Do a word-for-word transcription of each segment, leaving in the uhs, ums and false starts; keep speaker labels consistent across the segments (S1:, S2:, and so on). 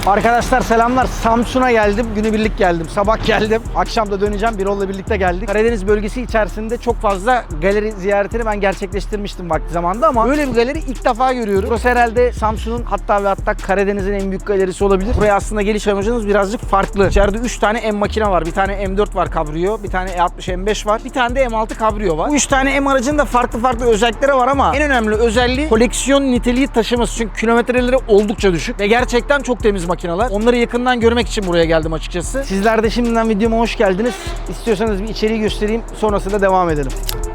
S1: Arkadaşlar selamlar. Samsun'a geldim. Günübirlik geldim. Sabah geldim. Akşam da döneceğim. Birol'la birlikte geldik. Karadeniz bölgesi içerisinde çok fazla galeri ziyaretini ben gerçekleştirmiştim vakti zamanında ama böyle bir galeri ilk defa görüyorum. Burası herhalde Samsun'un hatta ve hatta Karadeniz'in en büyük galerisi olabilir. Buraya aslında geliş amacınız birazcık farklı. İçeride üç tane M makine var. Bir tane M dört var Cabrio, bir tane E altmış M beş var, bir tane de M altı Cabrio var. Bu üç tane M aracın da farklı farklı özellikleri var ama en önemli özelliği koleksiyon niteliği taşıması. Çünkü kilometreleri oldukça düşük ve gerçekten çok temiz makineler. Onları yakından görmek için buraya geldim açıkçası. Sizler de şimdiden videoma hoş geldiniz. İstiyorsanız bir içeriği göstereyim, sonrasında devam edelim.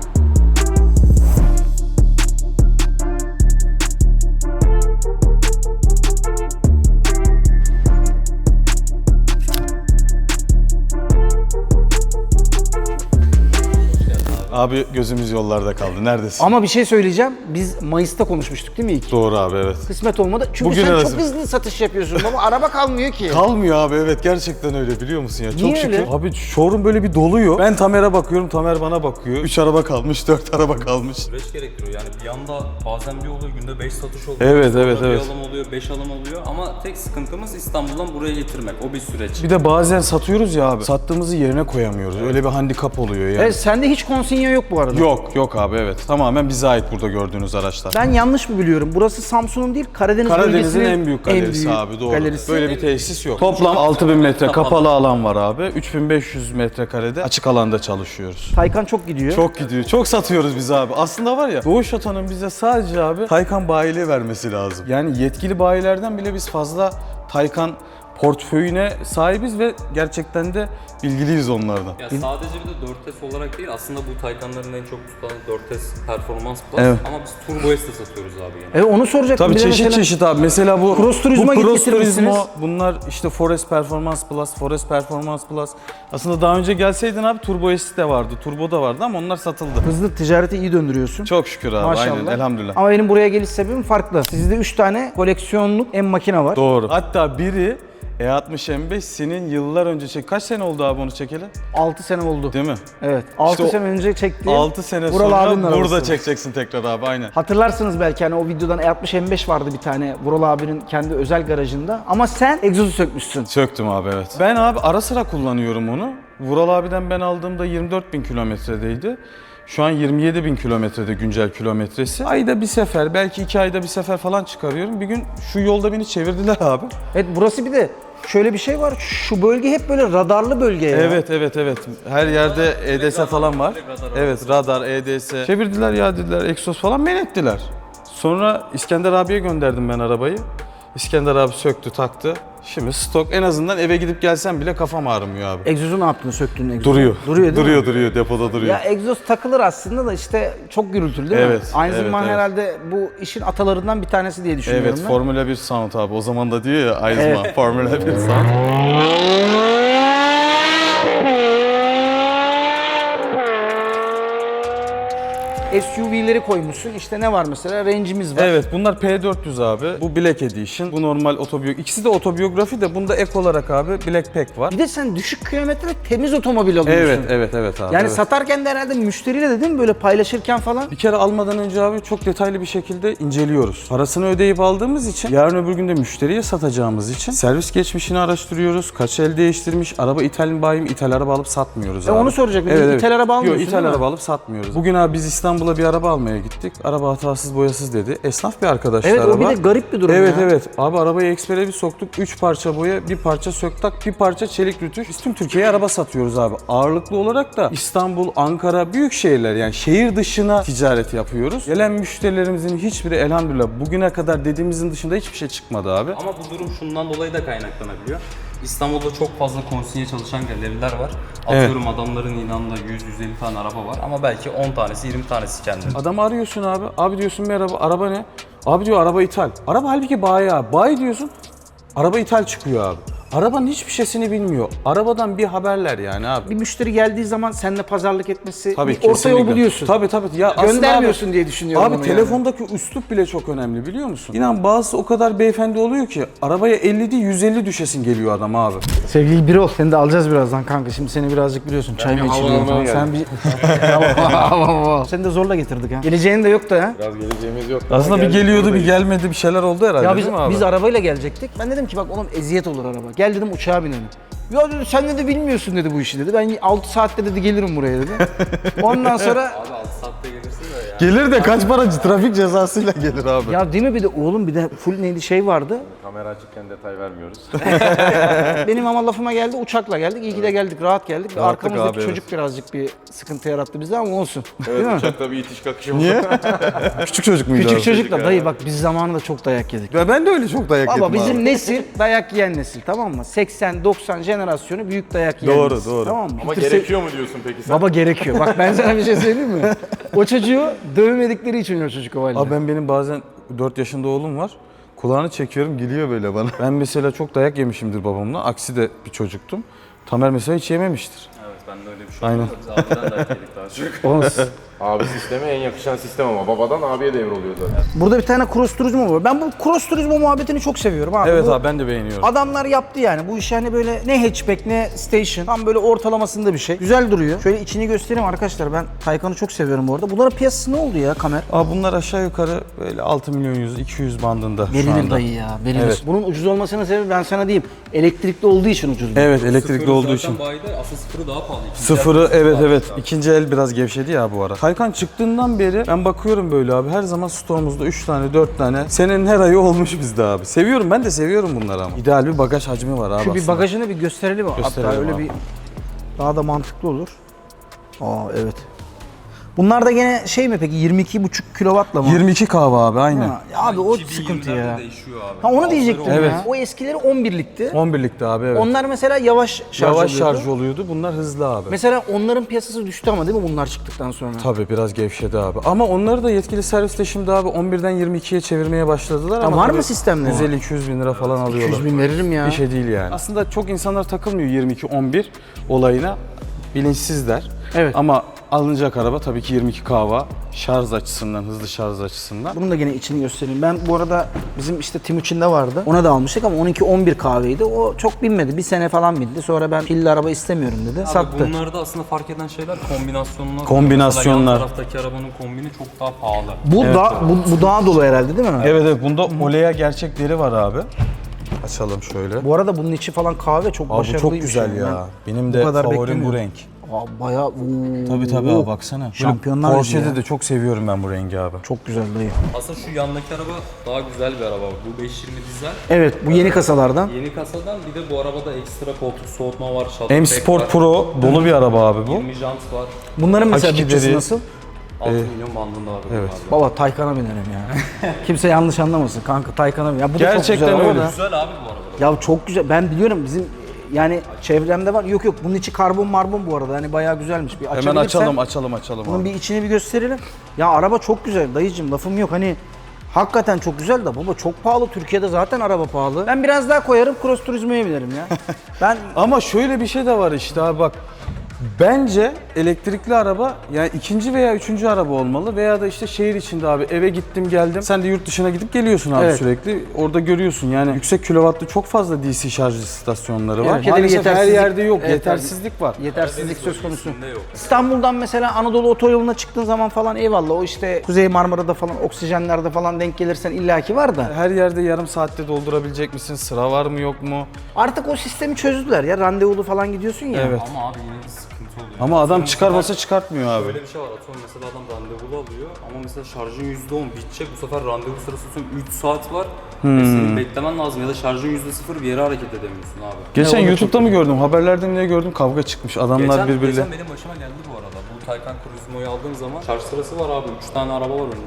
S2: Abi gözümüz yollarda kaldı. Neredesin?
S1: Ama bir şey söyleyeceğim. Biz Mayıs'ta konuşmuştuk değil mi ilk?
S2: Doğru abi, evet.
S1: Kısmet olmadı. Çünkü
S2: Bugün
S1: sen
S2: arası.
S1: çok hızlı satış yapıyorsun ama araba kalmıyor ki.
S2: Kalmıyor abi, evet, gerçekten öyle, biliyor musun ya? Çok
S1: Niye
S2: şükür.
S1: öyle?
S2: Abi showroom böyle bir doluyor. Ben Tamer'e bakıyorum, Tamer bana bakıyor. üç araba kalmış, dört araba kalmış.
S3: Süreç gerektiriyor yani bir anda bazen bir oluyor günde beş satış oluyor.
S2: Evet,
S3: sonra
S2: evet,
S3: bir
S2: evet.
S3: alım oluyor, beş alım oluyor ama tek sıkıntımız İstanbul'dan buraya getirmek. O bir süreç.
S2: Bir de bazen satıyoruz ya abi. Sattığımızı yerine koyamıyoruz. Öyle bir handikap oluyor yani.
S1: Evet, sende hiç konsinyo yok bu arada.
S2: Yok, yok abi, evet. Tamamen bize ait burada gördüğünüz araçlar.
S1: Ben yanlış mı biliyorum? Burası Samsun'un değil, Karadeniz
S2: Karadeniz'in
S1: bölgesinin
S2: en büyük galerisi
S1: büyük
S2: abi, doğru.
S1: galerisi.
S2: Böyle bir tesis yok. Toplam altı bin metre kapalı alan var abi. üç bin beş yüz metrekarede açık alanda çalışıyoruz.
S1: Taycan çok gidiyor.
S2: Çok gidiyor. Çok satıyoruz biz abi. Aslında var ya, Doğuş Oto'nun bize sadece abi Taycan bayiliği vermesi lazım. Yani yetkili bayilerden bile biz fazla Taycan portföyüne sahibiz ve gerçekten de bilgiliyiz onlardan.
S3: Ya sadece bir de dört S olarak değil aslında bu Taycan'ların en çok tutan dört S Performans Plus
S2: Evet.
S3: ama biz Turbo S de satıyoruz abi yani.
S1: Evet, onu soracaktım.
S2: Tabii
S1: Bir de
S2: çeşit
S1: mesela
S2: çeşit abi. Mesela bu
S1: Cross Turismo'ya
S2: bu
S1: git
S2: Cross
S1: getirmişsiniz.
S2: Turismo, bunlar işte Forest Performance Plus, Forest Performance Plus. Aslında daha önce gelseydin abi Turbo S de vardı, Turbo da vardı ama onlar satıldı.
S1: Hızlı ticareti iyi döndürüyorsun.
S2: Çok şükür abi.
S1: Maşallah.
S2: Aynen, elhamdülillah.
S1: Ama benim buraya geliş sebebim farklı. Sizde üç tane koleksiyonluk M makine var.
S2: Doğru. Hatta biri E altmış M beş senin yıllar önce çek. Kaç sene oldu abi onu çekeli?
S1: altı sene oldu.
S2: Değil mi?
S1: Evet. altı
S2: o
S1: sene önce çektiğim
S2: altı sene
S1: Vural abinin
S2: sonra burada
S1: arabası.
S2: çekeceksin tekrar abi, aynen.
S1: Hatırlarsınız belki hani o videodan E altmış M beş vardı bir tane Vural abinin kendi özel garajında. Ama sen egzozu sökmüşsün.
S2: Söktüm abi, evet. Ben abi ara sıra kullanıyorum onu. Vural abiden ben aldığımda yirmi dört bin kilometredeydi. Şu an yirmi yedi bin kilometrede güncel kilometresi. Ayda bir sefer, belki iki ayda bir sefer falan çıkarıyorum. Bir gün şu yolda beni çevirdiler abi.
S1: Evet, burası bir de şöyle bir şey var. Şu bölge hep böyle radarlı bölge ya.
S2: Evet, evet, evet. Her yerde E D S falan var.
S3: radar
S2: Evet, radar, E D S. Çevirdiler ya, dediler, egzoz falan men ettiler. Sonra İskender abiye gönderdim ben arabayı. İskender abi söktü, taktı. Şimdi stok, en azından eve gidip gelsem bile kafam ağrımıyor abi.
S1: Egzozu ne yaptın, söktün egzozu?
S2: Duruyor.
S1: Duruyor değil
S2: duruyor,
S1: mi?
S2: duruyor, depoda duruyor.
S1: Ya egzoz takılır aslında da işte çok gürültülü değil
S2: Evet,
S1: mi? Aynı
S2: evet,
S1: zamanda
S2: evet.
S1: herhalde bu işin atalarından bir tanesi diye düşünüyorum
S2: Evet,
S1: ben.
S2: Formula bir sound abi. O zaman da diyor ya Aizma,
S1: Evet.
S2: Formula bir sound.
S1: S U V'leri koymuşsun. İşte ne var mesela? Range'imiz var.
S2: Evet, bunlar P dört yüz abi. Bu Black Edition. Bu normal otobiyografi. İkisi de otobiyografi de bunda ek olarak abi Black Pack var.
S1: Bir de sen düşük kilometre temiz otomobil alıyorsun.
S2: Evet, evet, evet abi.
S1: Yani
S2: evet.
S1: satarken de herhalde müşteriyle de değil mi böyle paylaşırken falan?
S2: Bir kere almadan önce abi çok detaylı bir şekilde inceliyoruz. Parasını ödeyip aldığımız için, yarın öbür gün de müşteriye satacağımız için servis geçmişini araştırıyoruz. Kaç el değiştirmiş, araba ithal mi bayi mi, ithal araba alıp satmıyoruz
S1: E
S2: abi.
S1: onu soracaktım. İthal araba almıyorsun,
S2: Yok, ithal
S1: değil mi?
S2: araba alıp satmıyoruz. Bugün abi biz İstanbul'a bir araba almaya gittik. Araba hatasız boyasız dedi. Esnaf bir arkadaşlar
S1: Evet,
S2: araba.
S1: o bir de garip bir durum
S2: Evet,
S1: ya.
S2: evet. Abi arabayı ekspere bir soktuk. üç parça boya, bir parça söktak, bir parça çelik rütüş. Biz tüm Türkiye'ye araba satıyoruz abi. Ağırlıklı olarak da İstanbul, Ankara, büyük şehirler, yani şehir dışına ticaret yapıyoruz. Gelen müşterilerimizin hiçbiri elhamdülillah bugüne kadar dediğimizin dışında hiçbir şey çıkmadı abi.
S3: Ama bu durum şundan dolayı da kaynaklanabiliyor. İstanbul'da çok fazla konsinye çalışan galeriler var. Atıyorum adamların ilanında yüz yüz elli tane araba var ama belki on tanesi yirmi tanesi kendine.
S2: Adamı arıyorsun abi. Abi diyorsun merhaba, araba ne? Abi diyor araba ithal. Araba halbuki bayi abi. Bayi diyorsun, araba ithal çıkıyor abi. Arabanın hiçbir şeysini bilmiyor. Arabadan bir haberler yani abi.
S1: Bir müşteri geldiği zaman seninle pazarlık etmesi,
S2: Tabii,
S1: bir orta yol
S2: kesinlikle.
S1: buluyorsun.
S2: Tabii tabii. Ya aslında
S1: Göndermiyorsun
S2: abi,
S1: diye düşünüyorum
S2: Abi
S1: onu
S2: telefondaki üslup bile çok önemli biliyor musun? İnan bazısı o kadar beyefendi oluyor ki arabaya elli değil yüz elli düşesin geliyor adam abi.
S1: yani. Sevgili Birol, seni de alacağız birazdan kanka. Şimdi seni birazcık biliyorsun. Çay mı içiliyor falan. Sen bir... Seni de zorla getirdik ha. Geleceğin de yok da ya.
S4: Biraz geleceğimiz yok.
S2: Aslında bir geliyordu bir gelmedi bir şeyler oldu herhalde
S1: Ya biz,
S2: değil mi abi?
S1: biz arabayla gelecektik. Ben dedim ki bak oğlum eziyet olur araba. Gel dedim uçağa binelim. Ya dedi sen dedi bilmiyorsun dedi bu işi dedi. Ben altı saatte dedi gelirim buraya dedi. Ondan sonra
S3: Abi altı saatte gelirsin de ya.
S2: Gelir de kaç para trafik cezasıyla gelir abi.
S1: ya değil mi bir de oğlum bir de full neydi şey vardı.
S4: Kamera açıkken detay vermiyoruz.
S1: Benim ama lafıma geldi uçakla geldik. İyi ki de geldik rahat geldik.
S2: Rahatlık
S1: Arkamızdaki
S2: abi,
S1: çocuk birazcık bir sıkıntı yarattı bize ama olsun. Değil
S4: Evet
S1: mi?
S4: uçakta bir itiş kakışımız
S2: Niye? Küçük çocuk muydu
S1: Küçük
S2: abi?
S1: çocukla dayı bak biz zamanında çok dayak yedik.
S2: Ya ben de öyle çok dayak yedim
S1: Baba bizim
S2: abi.
S1: nesil dayak yiyen nesil tamam mı? seksen doksan jenerasyonu büyük dayak yiyen
S2: Doğru,
S1: nesil.
S2: doğru.
S1: Tamam mı?
S4: Ama
S1: Bitirse-
S4: gerekiyor mu diyorsun peki sen?
S1: Baba gerekiyor. Bak ben sana bir şey söyleyeyim mi? O çocuğu dövmedikleri için o çocuk o halde.
S2: Abi ben benim bazen dört yaşında oğlum var. Kulağını çekiyorum gülüyor böyle bana. Ben mesela çok dayak yemişimdir babamla. Aksi de bir çocuktum. Tamer mesela hiç yememiştir.
S3: Evet bende öyle bir şey
S2: Aynen.
S3: oldu. Biz abiden de yedik daha çok.
S1: Olsun.
S4: Abi sisteme en yakışan sistem ama babadan abiye devroluyor zaten.
S1: Burada bir tane cross turizmo var. Ben bu cross turizmo muhabbetini çok seviyorum abi.
S2: Evet
S1: Bu-
S2: abi ben de beğeniyorum.
S1: Adamlar yaptı yani. Bu iş hani böyle ne hatchback ne station. Tam böyle ortalamasında bir şey. Güzel duruyor. Şöyle içini göstereyim arkadaşlar. Ben Taycan'ı çok seviyorum bu arada. Bunların piyasası ne oldu ya Kamer?
S2: Abi bunlar aşağı yukarı böyle altı milyon yüz iki yüz bandında şu
S1: Verilir
S2: anda.
S1: dayı ya. Verilir.
S2: Evet.
S1: Bunun ucuz olmasının sebebi ben sana diyeyim. Elektrikli olduğu için ucuz.
S2: Evet elektrikli
S3: Sıfırı
S2: olduğu
S3: zaten
S2: için.
S3: bayide asıl sıfırı daha pahalı. İkinci
S2: Sıfırı
S3: el
S2: evet
S3: sıfırı
S2: evet.
S3: abi.
S2: İkinci el biraz gevşedi ya bu ara. Taycan çıktığından beri ben bakıyorum böyle abi. Her zaman stoğumuzda üç tane dört tane. Senenin her ayı olmuş bizde abi. Seviyorum ben de seviyorum bunları ama. İdeal bir bagaj hacmi var abi
S1: Şu bir
S2: aslında.
S1: bagajını bir gösterelim. Hatta
S2: Gösterelim
S1: öyle
S2: abi.
S1: bir daha da mantıklı olur. Aa evet. Bunlar da gene şey mi peki yirmi iki buçuk kilowattla mı?
S2: yirmi iki kahve abi aynen.
S1: Ha, abi o
S3: iki bin
S1: sıkıntı
S3: yirmilerde
S1: ya.
S3: değişiyor abi.
S1: Ha onu
S3: Bazıları
S1: diyecektim
S3: oluyor.
S2: Evet.
S1: ya. O eskileri on birlikti.
S2: on birlikte abi evet.
S1: Onlar mesela yavaş şarj
S2: Yavaş
S1: oluyordu.
S2: şarj oluyordu. Bunlar hızlı abi.
S1: Mesela onların piyasası düştü ama değil mi bunlar çıktıktan sonra?
S2: Tabii biraz gevşedi abi. Ama onları da yetkili serviste şimdi abi on birden yirmi ikiye çevirmeye başladılar
S1: Ya
S2: ama
S1: var
S2: tabii
S1: mı sistemleri?
S2: yüz elli iki yüz bin lira falan alıyorlar.
S1: yüz bin veririm ya.
S2: Bir şey değil yani. Aslında çok insanlar takılmıyor yirmi iki on bir olayına. Bilinçsizler.
S1: Evet.
S2: Ama alınacak araba tabii ki yirmi iki kahva şarj açısından, hızlı şarj açısından.
S1: Bunun da gene içini göstereyim. Ben bu arada bizim işte Timuçin'de vardı. Ona da almıştık ama on iki on bir kahveydi. O çok binmedi. Bir sene falan bindi. Sonra ben pilli araba istemiyorum dedi.
S3: Abi
S1: Sattı.
S3: bunlarda aslında fark eden şeyler kombinasyonlar.
S2: Kombinasyonlar.
S3: Mesela yan taraftaki arabanın kombini çok daha pahalı.
S1: Bu da bu, bu daha dolu herhalde değil mi?
S2: Evet evet bunda Olea gerçek deri var abi. Açalım şöyle.
S1: Bu arada bunun içi falan kahve çok
S2: Abi bu
S1: başarılı
S2: çok
S1: bir
S2: güzel
S1: şey.
S2: ya. Benim
S1: bu
S2: de
S1: kadar
S2: favorim bu
S1: beklemiyordum.
S2: renk.
S1: Aa, bayağı ooo.
S2: Tabii tabii abi baksana. Böyle
S1: Şampiyonlar Ligi
S2: Porsche'de
S1: ya.
S2: de çok seviyorum ben bu rengi abi.
S1: Çok güzel dayı.
S3: Aslında şu yandaki araba daha güzel bir araba. Bu beş yirmi dizel.
S1: Evet bu yeni kasalardan.
S3: Yeni kasadan bir de bu arabada ekstra koltuk soğutma var. shuttle
S2: M
S3: pack
S2: Sport
S3: var,
S2: Pro dolu bir araba abi bu.
S3: yirmi jant var.
S1: Bunların mesela
S2: Hakiki
S1: bütçesi
S2: deri.
S1: nasıl?
S3: altı milyon bandında var.
S2: evet.
S3: Abi.
S1: Baba Taycan'a binelim ya. Kimse yanlış anlamasın kanka Taycan'a binelim. Ya bu da çok
S2: Gerçekten
S1: güzel araba
S2: öyle.
S1: da.
S3: Güzel abi bu araba.
S1: Ya çok güzel. Ben biliyorum bizim yani çevremde var. Yok yok bunun içi karbon marbon bu arada. Hani bayağı güzelmiş. Bir
S2: Hemen
S1: açabilirsen
S2: açalım açalım açalım
S1: bunun
S2: abi.
S1: bir içini bir gösterelim. Ya araba çok güzel dayıcım lafım yok. Hani hakikaten çok güzel de baba çok pahalı. Türkiye'de zaten araba pahalı. Ben biraz daha koyarım Cross Turismo'ya binerim ya. Ben
S2: Ama şöyle bir şey de var işte abi bak. Bence elektrikli araba yani ikinci veya üçüncü araba olmalı veya da işte şehir içinde abi eve gittim geldim. Sen de yurt dışına gidip geliyorsun abi
S1: Evet.
S2: sürekli. Orada görüyorsun yani yüksek kilovatlı çok fazla D C şarj istasyonları var.
S1: Türkiye'de bir
S2: Maalesef her
S1: yetersizlik-
S2: yerde yok.
S1: Evet,
S2: Yetersizlik var.
S1: yetersizlik söz konusu.
S3: bölgesinde yok.
S1: İstanbul'dan mesela Anadolu otoyoluna çıktığın zaman falan eyvallah o işte Kuzey Marmara'da falan oksijenlerde falan denk gelirsen illaki var da.
S2: Her yerde yarım saatte doldurabilecek misin? Sıra var mı yok mu?
S1: Artık o sistemi çözdüler ya randevulu falan gidiyorsun ya.
S2: Evet.
S3: Ama abi yine bir sıkıntı oluyor.
S2: Ama adam
S3: Atıyorum
S2: çıkarmasa
S3: mesela-
S2: çıkartmıyor abi.
S3: Böyle bir şey var. Atıyorum mesela adam randevulu alıyor ama mesela şarjın yüzde on bitecek. Bu sefer randevu sırası atıyorum üç saat var.
S2: Hmm.
S3: Ve senin beklemen lazım ya da şarjın yüzde sıfır bir yere hareket edemiyorsun abi.
S2: Geçen
S1: o da
S2: YouTube'da mı gördüm? Haberlerde mi ne gördüm? Kavga çıkmış. Adamlar
S3: Geçen,
S2: birbiriyle.
S3: geçen benim başıma geldi bu arada. Bu Taycan Turismo'yu aldığım zaman şarj sırası var abi. üç tane araba var önünde.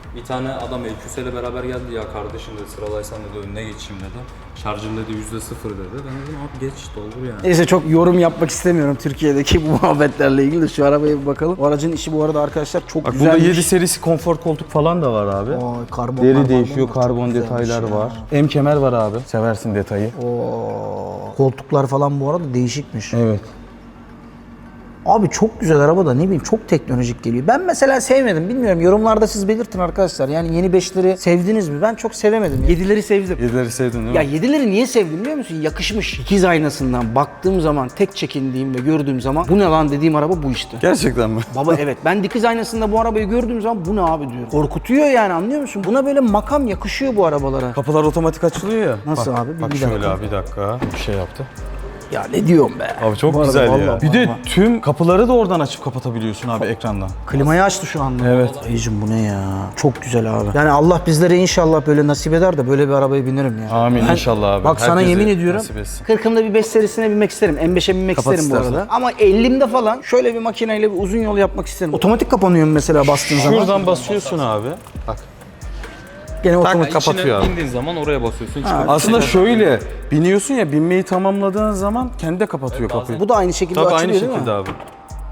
S3: Bir tane adam E Q S ile beraber geldi, ya kardeşim dedi sıralaysan dedi önüne geçeyim dedi. Şarjım dedi yüzde sıfır dedi. Ben dedim abi geç doldur yani.
S1: Neyse çok yorum yapmak istemiyorum Türkiye'deki bu muhabbetlerle ilgili de şu arabaya bir bakalım. O aracın işi bu arada arkadaşlar çok
S2: Bak
S1: güzelmiş.
S2: burada yedi serisi konfor koltuk falan da var abi.
S1: Oy, karbon,
S2: Deri
S1: karbon
S2: değişiyor,
S1: çok
S2: karbon
S1: güzelmiş
S2: detaylar
S1: ya.
S2: var. M kemer var abi. Seversin detayı.
S1: Oo, koltuklar falan bu arada değişikmiş.
S2: Evet.
S1: Abi çok güzel araba da ne bileyim çok teknolojik geliyor. Ben mesela sevmedim. Bilmiyorum yorumlarda siz belirtin arkadaşlar. Yani yeni beşleri sevdiniz mi? Ben çok sevemedim. yedileri sevdim.
S2: Yedileri sevdin değil mi?
S1: Ya yedileri niye sevdim biliyor musun? Yakışmış. İkiz aynasından baktığım zaman tek çekindiğim ve gördüğüm zaman bu ne lan dediğim araba bu işte.
S2: Gerçekten mi?
S1: Baba evet ben dikiz aynasında bu arabayı gördüğüm zaman bu ne abi diyorum. Korkutuyor yani anlıyor musun? Buna böyle makam yakışıyor bu arabalara.
S2: Kapılar otomatik açılıyor ya.
S1: Nasıl
S2: bak,
S1: abi? Bir-
S2: Bak
S1: bir
S2: şöyle
S1: dakika.
S2: abi bir dakika. Bir şey yaptı.
S1: Ya ne diyorum be.
S2: Abi çok
S1: Bu arada
S2: güzel ya.
S1: vallahi,
S2: Bir de
S1: vallahi.
S2: tüm kapıları da oradan açıp kapatabiliyorsun abi ekrandan.
S1: Klimayı açtı şu anda.
S2: Evet.
S1: Dayıcım bu ne ya? Çok güzel abi. Yani Allah bizlere inşallah böyle nasip eder de böyle bir arabaya binerim ya.
S2: Amin inşallah abi.
S1: Bak sana
S2: Herkese
S1: yemin ediyorum
S2: nasip etsin.
S1: kırkımda bir beş serisine binmek isterim. M beşe binmek
S2: Kapat
S1: isterim bu
S2: istersen.
S1: arada. Ama ellimde falan şöyle bir makineyle bir uzun yol yapmak isterim. Otomatik kapanıyor mu mesela bastığın zaman?
S2: Şuradan basıyorsun abi. Bak.
S1: Gene
S2: Tak,
S1: otomatik
S2: kapatıyor
S3: İçine
S2: abi.
S3: indiğin zaman oraya basıyorsun. çıkıyor.
S2: Aslında şöyle biniyorsun ya binmeyi tamamladığın zaman kendi de kapatıyor kapıyı.
S1: Bu da aynı şekilde
S2: Tabii
S1: açılıyor
S2: aynı
S1: değil mi?
S2: şekilde abi.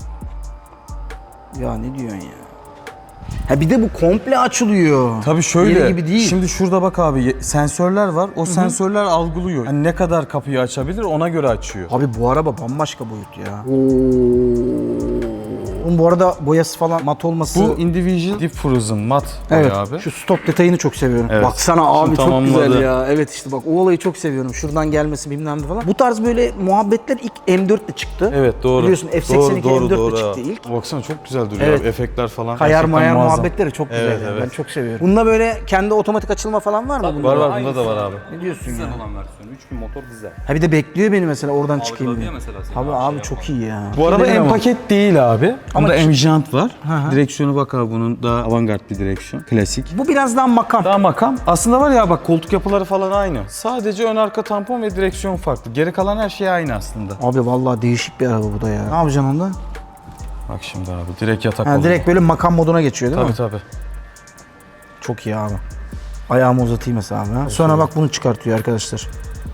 S1: Ya ne diyorsun ya? Ha bir de bu komple açılıyor.
S2: Tabii şöyle.
S1: Yeri gibi değil.
S2: Şimdi şurada bak abi ye- sensörler var. O sensörler algılıyor. Yani ne kadar kapıyı açabilir ona göre açıyor.
S1: Abi bu araba bambaşka boyut ya. Oğlum bu arada boyası falan mat olması.
S2: Bu individual deep frozen mat
S1: evet.
S2: boya abi.
S1: Şu stop detayını çok seviyorum.
S2: Evet.
S1: Baksana abi
S2: Şimdi
S1: çok
S2: tamamladı.
S1: güzel ya. Evet işte bak o olayı çok seviyorum. Şuradan gelmesi bilmem ne falan. Bu tarz böyle muhabbetler ilk M dört ile çıktı.
S2: Evet doğru.
S1: Biliyorsun F seksen iki
S2: doğru,
S1: M dört
S2: doğru,
S1: ile
S2: doğru.
S1: çıktı ilk.
S2: Baksana çok güzel duruyor
S1: Evet.
S2: abi. Efektler falan.
S1: Kayar
S2: gerçekten
S1: mayar
S2: muazzam.
S1: muhabbetleri çok güzel
S2: Evet,
S1: yani.
S2: evet.
S1: Ben çok seviyorum. Bunda böyle kendi otomatik açılma falan var mı? bunda?
S2: Var var
S3: Aynısı.
S2: bunda da var abi.
S1: Ne diyorsun
S3: Dizel
S1: ya?
S3: olan versiyonu. üç bin motor dizel.
S1: Ha bir de bekliyor beni mesela oradan çıkayım
S3: Algıladı
S1: diye.
S3: ya mesela seni,
S1: Tabii
S3: abi
S1: abi
S3: şey
S1: çok
S3: yapma.
S1: iyi ya.
S2: Bu araba
S1: Dedim
S2: en
S1: ama-
S2: paket değil abi.
S1: Ama
S2: Bunda
S1: ki-
S2: M jant var.
S1: hı.
S2: Direksiyonu bak abi bunun daha avantgard bir direksiyon. Klasik.
S1: Bu biraz daha makam.
S2: Daha makam. Aslında var ya bak koltuk yapıları falan aynı. Sadece ön arka tampon ve direksiyon farklı. Geri kalan her şey aynı aslında.
S1: Abi vallahi değişik bir araba bu da ya. Ne yapacaksın onda?
S2: Bak şimdi abi direkt yatak
S1: Ha,
S2: oluyor.
S1: direkt böyle makam moduna geçiyor değil
S2: Tabii
S1: mi?
S2: tabii.
S1: Çok iyi abi. Ayağımı uzatayım mesela abi. ha. Sonra bak bunu çıkartıyor arkadaşlar.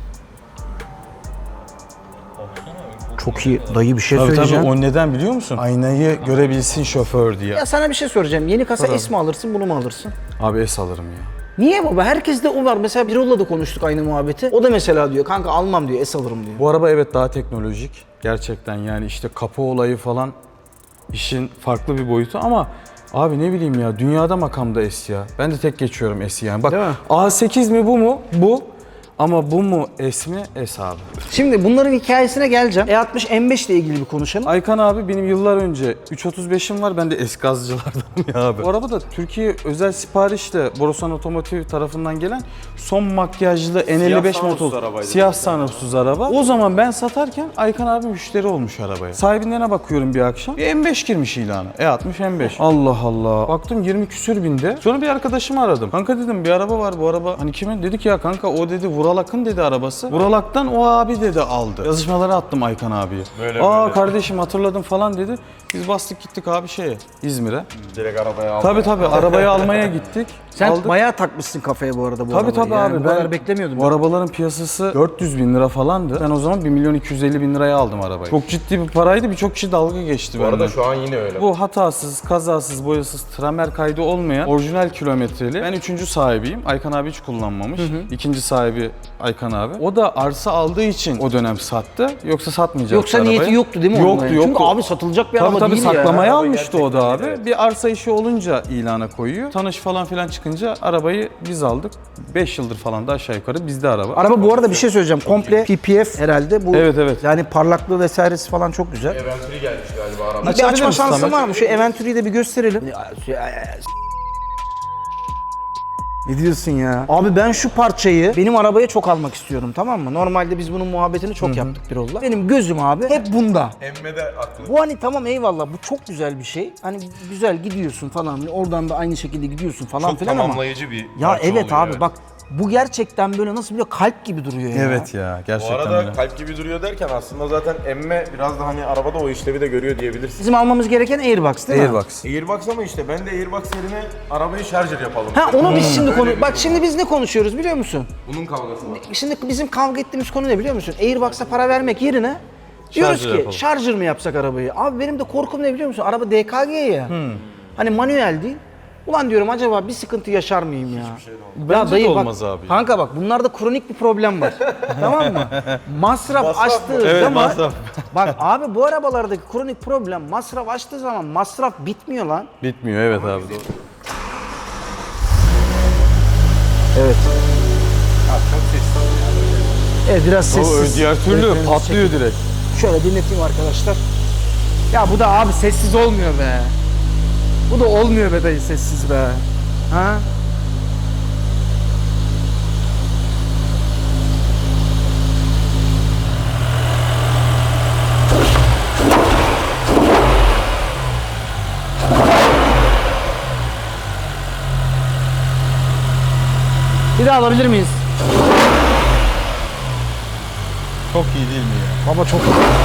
S1: Çok iyi. Dayı bir şey
S2: Tabii
S1: söyleyeceğim.
S2: tabii o neden biliyor musun? Aynayı görebilsin şoför diye.
S1: Ya sana bir şey soracağım. Yeni kasa S mi alırsın, bunu mu alırsın?
S2: Abi S alırım ya.
S1: Niye baba? Herkeste o var. Mesela Birol'la da konuştuk aynı muhabbeti. O da mesela diyor kanka almam diyor, S alırım diyor.
S2: Bu araba evet daha teknolojik. Gerçekten yani işte kapı olayı falan işin farklı bir boyutu ama abi ne bileyim ya dünyada makamda S ya. Ben de tek geçiyorum S'i yani. Bak
S1: Değil mi?
S2: A sekiz mi bu mu? Bu. Ama bu mu S mi? S abi.
S1: Şimdi bunların hikayesine geleceğim. E altmış M beş ile ilgili bir konuşalım.
S2: Aykan abi benim yıllar önce üç otuz beşim var. Ben de eski gazcılardanım ya abi. Bu araba da Türkiye özel siparişle Borusan Otomotiv tarafından gelen son makyajlı N elli beş
S4: sunroofsuz
S2: motor.
S4: arabaydı.
S2: Siyah sunroofsuz araba. O zaman ben satarken Aykan abi müşteri olmuş arabaya. Sahibinden bakıyorum bir akşam. Bir M beş girmiş ilana. E altmış M beş. Allah Allah. Baktım yirmi küsür binde. Sonra bir arkadaşımı aradım. Kanka dedim bir araba var bu araba. Hani kimin? Dedik ya kanka o dedi Vuralak'ın dedi arabası. Vuralak'tan o abi dedi aldı. Yazışmaları attım Aykan abiye.
S4: Böyle
S2: Aa
S4: böyle.
S2: kardeşim hatırladım falan dedi. Biz bastık gittik abi şeye İzmir'e.
S4: Direkt arabaya aldım.
S2: Tabii tabii arabayı almaya gittik.
S1: Sen
S2: Aldık.
S1: bayağı takmışsın kafaya bu arada bu
S2: Tabii
S1: arabayı.
S2: tabii
S1: yani.
S2: abi.
S1: Bu kadar beklemiyordum.
S2: Bu arabaların piyasası dört yüz bin lira falandı. Ben o zaman bir milyon iki yüz elli bin liraya aldım arabayı. Çok ciddi bir paraydı. Birçok kişi dalga geçti
S4: Bu arada
S2: benden.
S4: şu an yine öyle.
S2: Bu hatasız, kazasız, boyasız, tramer kaydı olmayan orijinal kilometreli. Ben üçüncü sahibiyim. Aykan abi hiç kullanmamış. İkinci sahibi Aykan abi. O da arsa aldığı için o dönem sattı. Yoksa satmayacaktı
S1: Yoksa
S2: arabayı.
S1: niyeti yoktu değil mi onun
S2: Yoktu
S1: yani?
S2: yoktu.
S1: Çünkü abi satılacak bir
S2: Tabii
S1: araba
S2: tabii
S1: değil ya.
S2: saklamaya
S4: Araba
S2: almıştı o da
S4: gerçekten
S2: abi.
S4: iyi, evet.
S2: Bir arsa işi olunca ilana koyuyor. Tanış falan filan çıkınca arabayı biz aldık. beş yıldır falan da aşağı yukarı bizde araba.
S1: Araba bu arada bir şey söyleyeceğim. Komple P P F herhalde bu.
S2: Evet, evet.
S1: Yani parlaklığı vesairesi falan çok güzel.
S4: Eventuri gelmiş galiba araba.
S1: Bir
S2: Açabilir
S1: açma
S2: misin
S1: şansın
S2: Samet?
S1: var mı? Şu Eventuri'yi de bir gösterelim. Ne diyorsun ya? Abi ben şu parçayı benim arabaya çok almak istiyorum, tamam mı? Normalde biz bunun muhabbetini çok yaptık Birol'la. Benim gözüm abi hep bunda.
S4: Emme de aklı.
S1: Bu hani tamam eyvallah bu çok güzel bir şey. Hani güzel gidiyorsun falan. Oradan da aynı şekilde gidiyorsun falan
S4: Çok
S1: filan ama.
S4: tamamlayıcı bir
S1: Ya
S4: parça
S1: evet
S4: oluyor,
S1: abi bak bu gerçekten böyle nasıl biliyor kalp gibi duruyor ya.
S2: Evet ya
S4: Bu
S2: gerçekten
S4: arada
S2: öyle.
S4: kalp gibi duruyor derken aslında zaten emme biraz da hani arabada o işlevi de görüyor diyebilirsin.
S1: Bizim almamız gereken Airbox değil mi?
S2: Airbox.
S4: Airbox ama işte ben de Airbox yerine arabayı şarjır yapalım.
S1: Ha onu biz şimdi
S4: Öyle
S1: konu...
S4: bir
S1: Bak
S4: durum
S1: şimdi biz ne konuşuyoruz biliyor musun?
S4: Bunun kavgası var.
S1: Şimdi bizim kavga ettiğimiz konu ne biliyor musun? Airbox'a para vermek yerine diyoruz
S2: Şarjır
S1: ki
S2: yapalım.
S1: şarjır mı yapsak arabayı? Abi benim de korkum ne biliyor musun? Araba D K G ya. Hani manuel değil. Ulan diyorum acaba bir sıkıntı yaşar mıyım ya?
S2: Bence de olmaz
S1: bak,
S2: abi.
S1: Kanka bak bunlarda kronik bir problem var. Tamam mı? Masraf,
S4: Masraf
S1: açtığı
S4: mı?
S2: Evet,
S1: zaman...
S2: masraf.
S1: Bak abi bu arabalardaki kronik problem masraf açtığı zaman masraf bitmiyor lan.
S2: Bitmiyor evet abi. Doğru.
S1: Evet.
S4: Ya çok sessiz.
S1: Evet biraz
S2: O
S1: sessiz.
S2: diğer türlü
S1: Evet,
S2: patlıyor direkt.
S1: Şöyle dinleteyim arkadaşlar. Ya bu da abi sessiz olmuyor be. Bu da olmuyor be dayı sessiz be. Ha? Bir daha alabilir miyiz?
S2: Çok iyi değil mi ya?
S1: Baba çok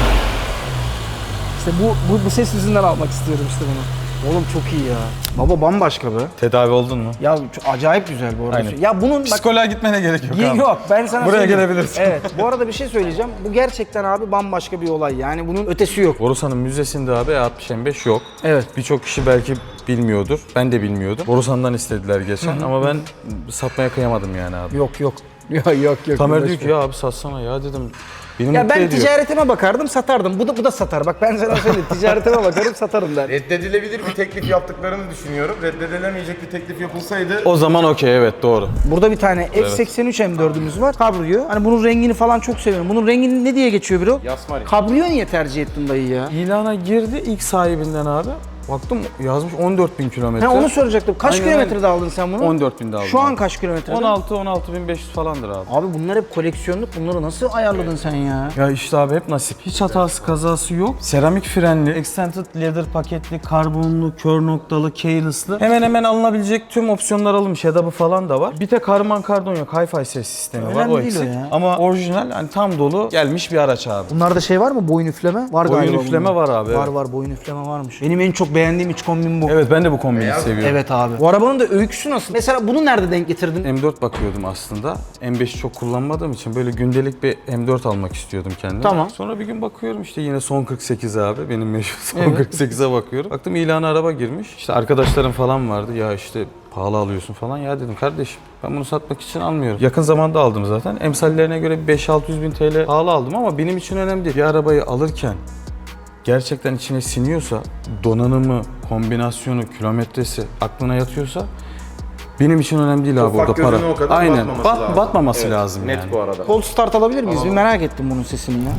S1: İşte bu, bu, bu ses yüzünden almak istiyorum işte bunu. Oğlum çok iyi ya. Baba bambaşka be.
S2: Tedavi oldun mu?
S1: Ya çok acayip güzel bu arada.
S2: Aynen.
S1: Ya bunun bak
S2: Psikoloğa gitmene gerek yok
S1: Ye-
S2: abi.
S1: Yok ben sana
S2: Buraya
S1: söyleyeyim.
S2: gelebilirsin.
S1: Evet bu arada bir şey söyleyeceğim. Bu gerçekten abi bambaşka bir olay yani bunun ötesi yok.
S2: Borusan'ın müzesinde abi E altmış M beş yok.
S1: Evet.
S2: Birçok kişi belki bilmiyordur. Ben de bilmiyordum. Borusan'dan istediler geçen ama ben satmaya kıyamadım yani abi.
S1: Yok yok. Yok yok yok.
S2: Tamer diyor
S1: Boş
S2: ki
S1: ver.
S2: ya abi satsana ya dedim. Beni
S1: Ya
S2: mutlu
S1: ben
S2: ediyor.
S1: ticaretime bakardım satardım. Bu da bu da satar. Bak ben sana söyleyeyim ticaretime bakarım satarım der.
S4: Reddedilebilir bir teklif yaptıklarını düşünüyorum. Reddedilemeyecek bir teklif yapılsaydı
S2: O zaman okey evet doğru.
S1: Burada bir tane F seksen üç M dördümüz var. Cabrio. Hani bunun rengini falan çok seviyorum. Bunun rengini ne diye geçiyor bro?
S4: Yasmari.
S1: Cabrio niye tercih ettin dayı ya?
S2: İlana girdi ilk sahibinden abi. Baktım yazmış on dört bin kilometre.
S1: Ha onu soracaktım. Kaç
S2: Aynen,
S1: kilometrede aldın sen bunu?
S2: on dört binde aldım.
S1: Şu an
S2: abi.
S1: kaç kilometrede?
S2: on altı on altı bin beş yüz falandır abi.
S1: Abi bunlar hep koleksiyonluk. Bunları nasıl ayarladın sen ya?
S2: Ya işte abi hep nasip. Hiç hatası kazası yok. Seramik frenli, extended leather paketli, karbonlu, kör noktalı, keyless'lı. Hemen hemen alınabilecek tüm opsiyonlar alınmış. Hedabı falan da var. Bir tek harman kardon yok. Hi-Fi ses sistemi var.
S1: Önemli
S2: O
S1: değil o
S2: eksik.
S1: ya.
S2: Ama orijinal hani tam dolu gelmiş bir araç abi.
S1: Bunlarda şey var mı? Boyun üfleme? Var
S2: Boyun
S1: galiba
S2: üfleme
S1: bunda.
S2: var abi,
S1: Var
S2: evet.
S1: var boyun üfleme varmış. Benim en çok beğendiğim iç kombin bu.
S2: Evet ben de bu kombini seviyorum.
S1: Evet abi. Bu arabanın da öyküsü nasıl? Mesela bunu nerede denk getirdin?
S2: M dört bakıyordum aslında. M beşi çok kullanmadığım için böyle gündelik bir M dört almak istiyordum kendime.
S1: Tamam.
S2: Sonra bir gün bakıyorum işte yine son kırk sekiz abi. Benim meşhur son kırk sekize bakıyorum. Baktım ilana araba girmiş. İşte arkadaşlarım falan vardı. Ya işte pahalı alıyorsun falan. Ya dedim kardeşim ben bunu satmak için almıyorum. Yakın zamanda aldım zaten. Emsallerine göre beş altı yüz bin T L pahalı aldım ama benim için önemli değil. Bir arabayı alırken gerçekten içine siniyorsa, donanımı, kombinasyonu, kilometresi aklına yatıyorsa benim için önemli değil abi
S4: ufak
S2: orada para.
S4: gözüne o kadar
S2: Aynen.
S4: batmaması
S2: Bat-
S4: lazım.
S2: batmaması
S4: Evet,
S2: lazım
S4: net
S2: yani.
S4: bu arada.
S1: Cold start alabilir miyiz? Bir merak ettim bunun sesini ya.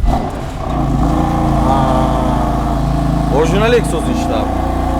S2: Orijinal egzozu işte abi.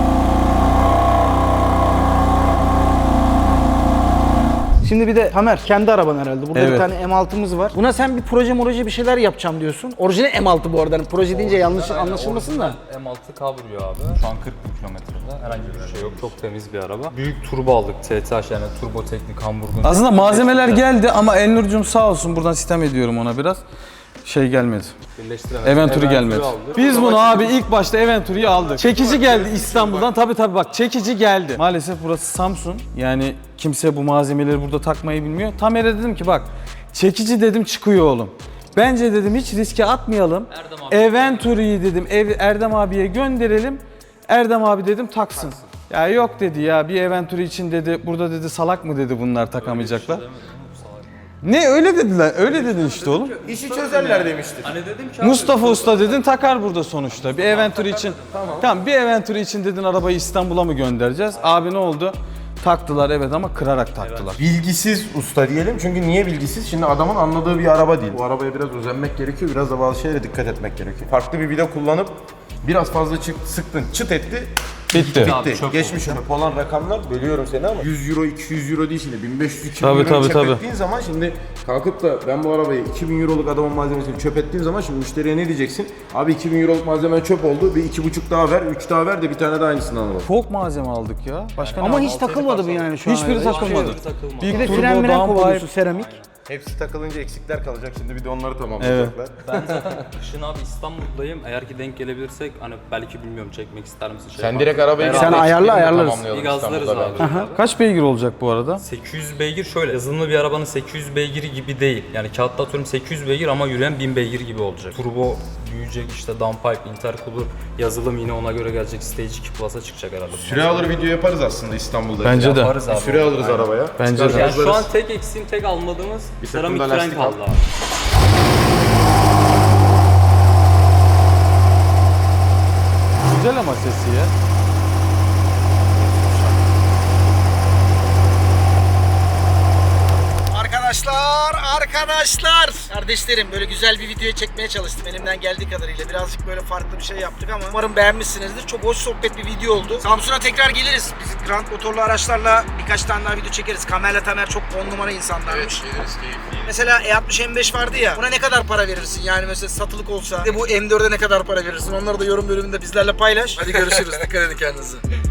S1: Şimdi bir de Tamer kendi araban herhalde. Burada bir
S2: Evet.
S1: tane M altımız var. Buna sen bir proje proje bir şeyler yapacağım diyorsun. Orijinal M altı bu arada. Hani proje deyince yanlış anlaşılmasın da.
S3: M altı Cabrio abi. Şu an kırk bin kilometrede. Herhangi bir şey yok. Çok temiz bir araba. Büyük turbo aldık. T T H yani turbo teknik Hamburg'un.
S2: Aslında malzemeler geldi ama Elnur'cum sağ olsun buradan sitem ediyorum ona biraz. Şey gelmedi.
S3: Birleştiremedik.
S2: Eventuri gelmedi.
S3: aldık.
S2: Biz bunu abi ilk başta Eventuri'yi aldık. Çekici geldi İstanbul'dan. Tabii tabii bak çekici geldi. Maalesef burası Samsun. Yani kimse bu malzemeleri burada takmayı bilmiyor. Tamer'e dedim ki bak çekici dedim çıkıyor oğlum. Bence dedim hiç riske atmayalım. Eventuri'yi dedim ev, Erdem abiye gönderelim. Erdem abi dedim taksın. Ya yok dedi ya bir Eventuri için dedi burada dedi salak mı dedi bunlar takamayacaklar. Ne öyle dediler? Öyle dedin işte oğlum.
S4: işi çözerler demiştik.
S3: Hani dedim ki
S2: Mustafa Usta dedin takar burada sonuçta. Bir Eventuri için. Tamam. bir Eventuri için dedin arabayı İstanbul'a mı göndereceğiz? Abi ne oldu? Taktılar evet ama kırarak taktılar.
S4: Bilgisiz usta diyelim çünkü niye bilgisiz? Şimdi adamın anladığı bir araba değil. Bu arabaya biraz özenmek gerekiyor, biraz da bazı şeylere dikkat etmek gerekiyor. Farklı bir vida kullanıp biraz fazla çık, sıktın, çıt etti,
S2: Bitti.
S3: Abi,
S4: Bitti.
S3: çöp
S4: Geçmiş çöp olan rakamlar, bölüyorum seni ama yüz euro iki yüz euro değil şimdi bin beş yüz iki bin
S2: Tabii,
S4: euro
S2: tabii,
S4: çöp
S2: tabii.
S4: ettiğin zaman şimdi kalkıp da ben bu arabayı iki bin euroluk adamın malzemesini çöp ettiğim zaman şimdi müşteriye ne diyeceksin? Abi iki bin euroluk malzeme çöp oldu, bir iki buçuk daha ver, üç daha ver de bir tane daha aynısından alalım.
S2: Çok malzeme aldık ya. Başka
S1: Ama
S2: ne
S1: hiç
S2: aldık?
S1: takılmadı bu yani şu an.
S2: Hiçbiri
S1: öyle.
S2: takılmadı.
S3: Hiçbiri takılmadı.
S2: Bir
S1: Bir de
S2: turbo,
S1: fren miren
S2: downpipe.
S1: kovalıyorsun seramik.
S4: Hepsi takılınca eksikler kalacak. Şimdi bir de onları tamamlayacaklar.
S3: Ben zaten kışın abi İstanbul'dayım. Eğer ki denk gelebilirsek hani belki bilmiyorum çekmek ister misin? Şey
S4: Sen
S3: yapalım.
S4: direkt arabayı
S3: Beraber
S1: Sen ayarla, ayarlarız.
S3: Bir gazlarız abi.
S2: Kaç beygir olacak bu arada?
S3: sekiz yüz beygir şöyle yazılımlı bir arabanın sekiz yüz beygiri gibi değil. Yani kağıtta atıyorum sekiz yüz beygir ama yürüyen bin beygir gibi olacak. Turbo büyüyecek, işte downpipe, intercooler, yazılım yine ona göre gelecek. Stage iki Plus'a çıkacak herhalde.
S4: Süre alır video yaparız aslında İstanbul'da.
S2: Bence de.
S3: Yaparız abi.
S4: Süre alırız
S3: Aynen.
S4: arabaya.
S2: Bence de.
S3: Yani şu an tek eksiğim, tek almadığımız
S4: Bir takım
S3: seramik
S4: da
S3: fren
S4: lastik
S3: kaldı
S4: al.
S3: abi.
S2: Güzel ama sesi ya.
S1: Arkadaşlar, arkadaşlar. Kardeşlerim böyle güzel bir video çekmeye çalıştım elimden geldiği kadarıyla. Birazcık böyle farklı bir şey yaptık ama umarım beğenmişsinizdir. Çok hoş sohbet bir video oldu. Samsun'a tekrar geliriz. Biz Grand motorlu araçlarla birkaç tane daha video çekeriz. Kamerla Tamer çok on numara insanlarmış. Mesela E altmış M beş vardı ya. Buna ne kadar para verirsin? Yani mesela satılık olsa. Bir de bu M dört'e ne kadar para verirsin? Onları da yorum bölümünde bizlerle paylaş. Hadi görüşürüz. Dikkat edin kendinize.